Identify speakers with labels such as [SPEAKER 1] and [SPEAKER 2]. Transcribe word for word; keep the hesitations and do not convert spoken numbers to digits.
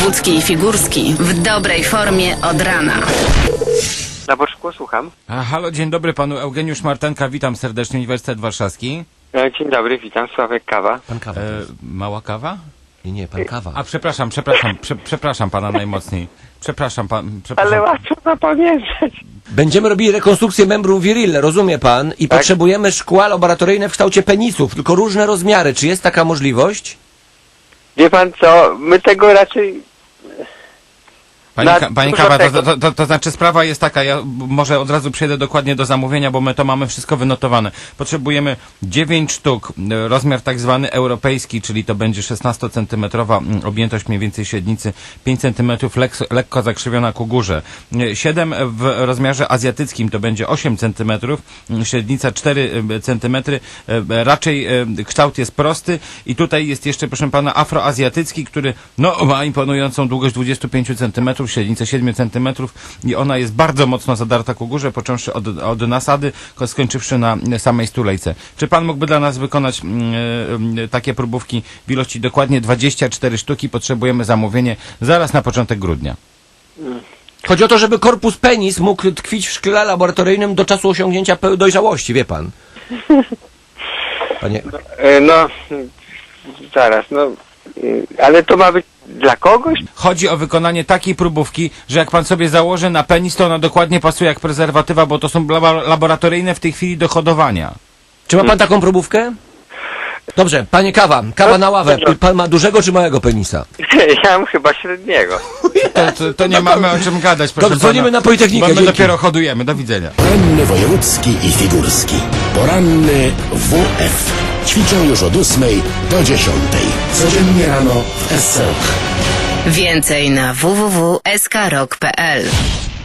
[SPEAKER 1] Wojewódzki i Figurski w dobrej formie od rana.
[SPEAKER 2] Na Boczku, słucham.
[SPEAKER 3] A, halo, dzień dobry panu Eugeniusz Martenka, witam serdecznie, Uniwersytet Warszawski.
[SPEAKER 2] E, Dzień dobry, witam, Sławek Kawa.
[SPEAKER 4] Pan Kawa.
[SPEAKER 3] E, mała kawa?
[SPEAKER 4] Nie, nie, pan Kawa.
[SPEAKER 3] A przepraszam, przepraszam, prze, przepraszam pana najmocniej. Przepraszam pan, przepraszam.
[SPEAKER 2] Ale łatwo zapamiętać.
[SPEAKER 4] Będziemy robili rekonstrukcję membrum virile, rozumie pan? I
[SPEAKER 2] Tak.
[SPEAKER 4] potrzebujemy szkła laboratoryjne w kształcie penisów, tylko różne rozmiary. Czy jest taka możliwość?
[SPEAKER 2] Wie pan co, my tego raczej...
[SPEAKER 3] Panie,
[SPEAKER 2] Na
[SPEAKER 3] Ka- panie
[SPEAKER 2] dużo
[SPEAKER 3] Kawa, to,
[SPEAKER 2] tego-
[SPEAKER 3] to, to, to znaczy sprawa jest taka, ja może od razu przejdę dokładnie do zamówienia, bo my to mamy wszystko wynotowane. Potrzebujemy dziewięć sztuk, e, rozmiar tak zwany europejski, czyli to będzie szesnastocentymetrowa mm, objętość mniej więcej średnicy, pięć centymetrów lek, lekko zakrzywiona ku górze. E, siedem w rozmiarze azjatyckim to będzie osiem centymetrów, mm, średnica cztery centymetry, e, raczej e, kształt jest prosty i tutaj jest jeszcze, proszę pana, afroazjatycki, który no, ma imponującą długość dwadzieścia pięć centymetrów, średnicę siedem centymetrów i ona jest bardzo mocno zadarta ku górze, począwszy od, od nasady, skończywszy na samej stulejce. Czy pan mógłby dla nas wykonać mm, y, takie próbówki w ilości dokładnie dwadzieścia cztery sztuki? Potrzebujemy zamówienie zaraz na początek grudnia.
[SPEAKER 4] Chodzi o to, żeby korpus penis mógł tkwić w szkle laboratoryjnym do czasu osiągnięcia peł- dojrzałości, wie pan. Panie...
[SPEAKER 2] E, No, zaraz, no... e, Ale to ma być dla kogoś?
[SPEAKER 3] Chodzi o wykonanie takiej próbówki, że jak pan sobie założy na penis, to ona dokładnie pasuje jak prezerwatywa, bo to są labo- laboratoryjne w tej chwili do hodowania.
[SPEAKER 4] Czy ma pan taką próbówkę? Dobrze, panie Kawa, kawa na ławę. Pan ma dużego czy małego penisa?
[SPEAKER 2] Ja mam chyba średniego.
[SPEAKER 3] To, to, to nie mamy o czym gadać, proszę
[SPEAKER 4] Dobrze, dzwonimy
[SPEAKER 3] pana,
[SPEAKER 4] na Politechnikę,
[SPEAKER 3] bo my
[SPEAKER 4] dzięki.
[SPEAKER 3] dopiero hodujemy. Do widzenia.
[SPEAKER 5] Poranny wojewódzki i figurski. Poranny W F. Ćwiczą już od ósmej do dziesiątej. Codziennie rano w S C R O K.
[SPEAKER 1] Więcej na w w w kropka s k rock kropka p l.